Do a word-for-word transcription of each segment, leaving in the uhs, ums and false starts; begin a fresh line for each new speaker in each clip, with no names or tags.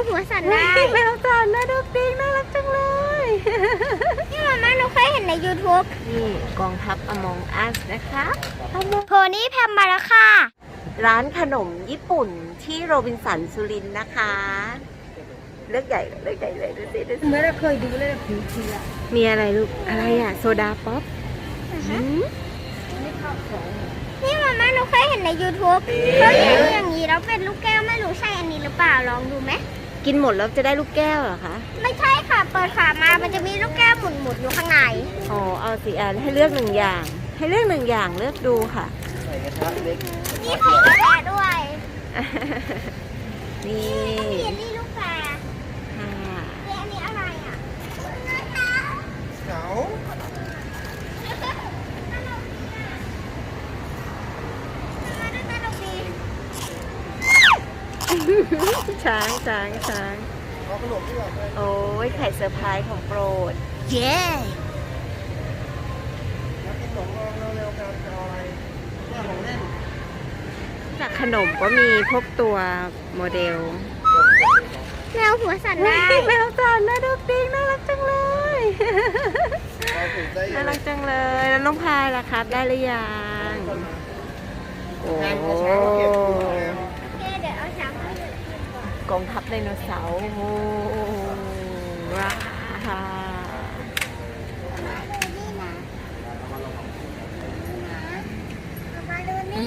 หัวสั่นได้แมวสั่นนะดูปิ๊งน่ารักจังเลยนี่มาม่าหนูเคยเห็นใน ยูทูบ
นี่กองทัพ Among Us นะคะ
โพนี่แพมมาแล้วค่ะ
ร้านขนมญี่ปุ่นที่โรบินสันสุรินทร์นะคะเลือกใหญ่เลือกใหญ่เลยดูสิดูสิ
ไม่ได้เคยดูเลยผิวเชีย
มีอะไรลูกอะไรอ่ะโซดาป๊อปหืม
นี่มาม่าหนูเคยเห็นใน ยูทูบ เขาเห็นอย่างนี้แล้วเป็นลูกแก้วไม่รู้ใช่อันนี้หรือเปล่าลองดูไหม
กินหมดแล้วจะได้ลูกแก้วเหรอคะ
ไม่ใช่ค่ะเปิดฝามามันจะมีลูกแก้วหมุนๆอยู่ข้างใน
อ๋อเอาสิอันให้เลือกหนึ่งอย่าง ให้เลือกหนึ่งอย่างเลือกดูค่ะ
นี่ไข่กาแฟด้วย
นี่
นี่อันนี้ลูกแฟร์
ค่ะ
นี่อันนี้อะไรอ่ะ
เหงา
ช้างช้างช้าง
เอาขนมดีกว่าเลย
โอ้ยไข่เซอร์ไพรส์ของโปรด
เย้
แล้วกินขนมเราเร็วๆกันจะเอาอะไรแม่ของเล่น
จากขนมก็มีพวกตัวโมเดล
แมวหัวสั่นได้
แมวสั่นนะดูปิ๊งน่ารักจังเลย
เราถูกได้ยั
น่าง
ไง
รักจังเลยแล้วน้องพายล่ะครับได้หรือยังโอ้
แทนกระเช้าเก็บอยู่แล้ว
โอเคเดี๋ยวเอาช้างมาให้ดู
กองทัพไดโนเสาร์โอ้ว้า
นี่นะมาดูนี่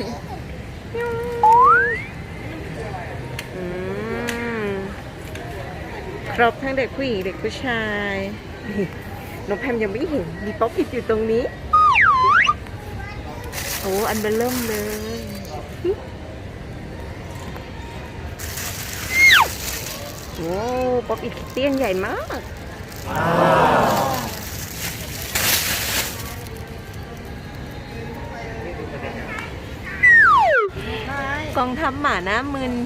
อืมครบทั้งเด็กผู้หญิงเด็กผู้ชายน้องแพมยังไม่เห็นมีป๊อปอิดอยู่ตรงนี้โอ้อันเบลเริ่มเลยโอ้ป๊อปอิดเตี้ยงใหญ่มากกองทัพหมาหน้ามึน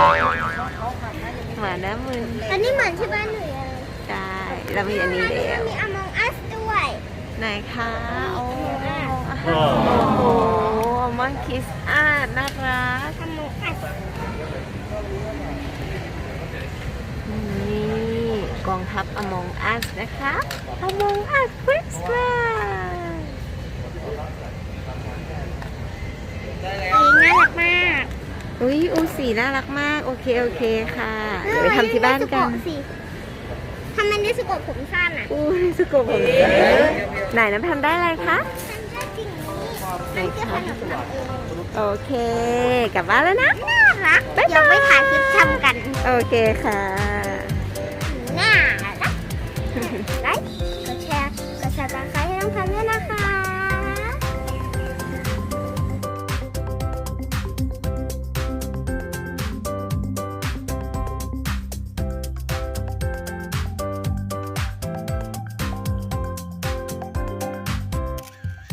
หมาหน้ามึน
อันนี้เหมือนที่บ้านหนูเลย
ใช่เรามีอันนี้แล้ว
มี Among Us ด้วย
ไหนคะโอ้โหมังคิสอาร์ตน่ารัก
Among Us
นี่กองทัพ Among Us นะคะ Among Us Christmas
เองน่ารักมาก
อุ้ยอูสีน่ารักมาก โอเค โอเคค่ะ เดี๋ยวไปทำที่บ้านกัน
สิทำมันได้สกปรกผมสั้นอ่ะ
อู้สกปรกผมไหนน้ำทำได้อะไรคะ
ทำได้จริงนี้
ไหน
มันจะ
คะ
ขนมทำเอง
โอเค กลับบ้านแล้วนะ
น่ารัก
บ๊ายบาย
เดี๋ยวไปถ่ายคลิปทำกัน
โอเคค่ะ
น่ารัก